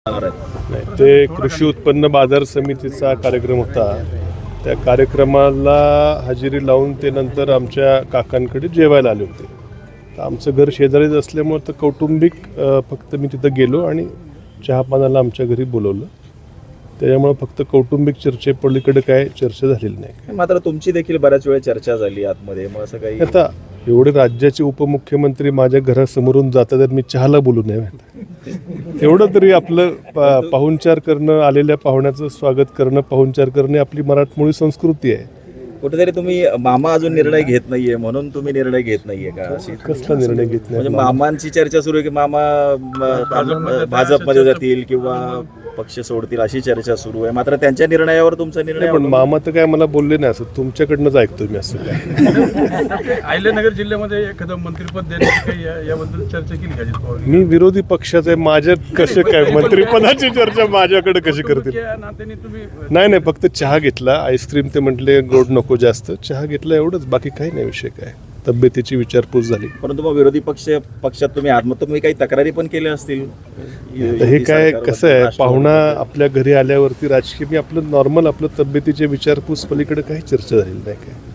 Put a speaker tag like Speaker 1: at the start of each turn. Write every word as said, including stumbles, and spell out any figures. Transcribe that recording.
Speaker 1: नाही, ते कृषी उत्पन्न बाजार समितीचा कार्यक्रम होता. त्या कार्यक्रमाला हजेरी लावून ते नंतर आमच्या काकांकडे जेवायला आले होते. तर आमचं घर शेजारीच असल्यामुळे तर कौटुंबिक फक्त मी तिथं गेलो आणि चहापानाला आमच्या घरी बोलवलं. त्याच्यामुळे फक्त कौटुंबिक चर्चेपलीकडे काय चर्चा झालेली नाही.
Speaker 2: मात्र तुमची देखील बऱ्याच वेळ चर्चा झाली आतमध्ये, मग असं काही
Speaker 1: आता एवढे राज्याचे उपमुख्यमंत्री माझ्या घरासमोरून जातात तर मी चहाला बोलू नये. तेवढं तरी आपलं पा पाहुणचार करणं, आलेल्या पाहुण्याचं स्वागत करणं, पाहुणचार करणे आपली मराठमोळी संस्कृती आहे.
Speaker 2: कुठेतरी तुम्ही मामा अजून निर्णय घेत नाहीये म्हणून तुम्ही निर्णय घेत नाहीये का? अशी
Speaker 1: कसला निर्णय घेत नाही?
Speaker 2: म्हणजे मामांची चर्चा सुरू आहे की मामा भाजपमध्ये जातील किंवा पक्ष सोडतील अशी चर्चा सुरू आहे. मात्र त्यांच्या निर्णयावर तुमचा निर्णय.
Speaker 1: पण मामा तर काय मला बोलले नाही, असं तुमच्याकडनंच ऐकतो मी. असं काय
Speaker 3: अहिल्यानगर जिल्ह्यामध्ये एखादं मंत्रिपद देण्याची काही या- याबद्दल चर्चा केली का अजित पवार?
Speaker 1: मी विरोधी पक्षाचा आहे, माझ्यात कसे काय मंत्रिपदाची चर्चा माझ्याकडे कशी करतील?
Speaker 3: या नात्याने तुम्ही
Speaker 1: नाही नाही, फक्त चहा घेतला. आईस्क्रीम ते म्हटले गोड नको जास्त, चहा घेतला एवढंच, बाकी काही नाही. विषय काय, तब्येतीची विचारपूस झाली.
Speaker 2: परंतु मग विरोधी पक्ष पक्षात तुम्ही आत मग तुम्ही काही तक्रारी पण केल्या असतील.
Speaker 1: हे काय कसं आहे, पाहुणा आपल्या घरी आल्यावरती राजकीय मी आपलं नॉर्मल आपलं तब्येतीच्या विचारपूस पलीकडे काही चर्चा झालेली नाही. काय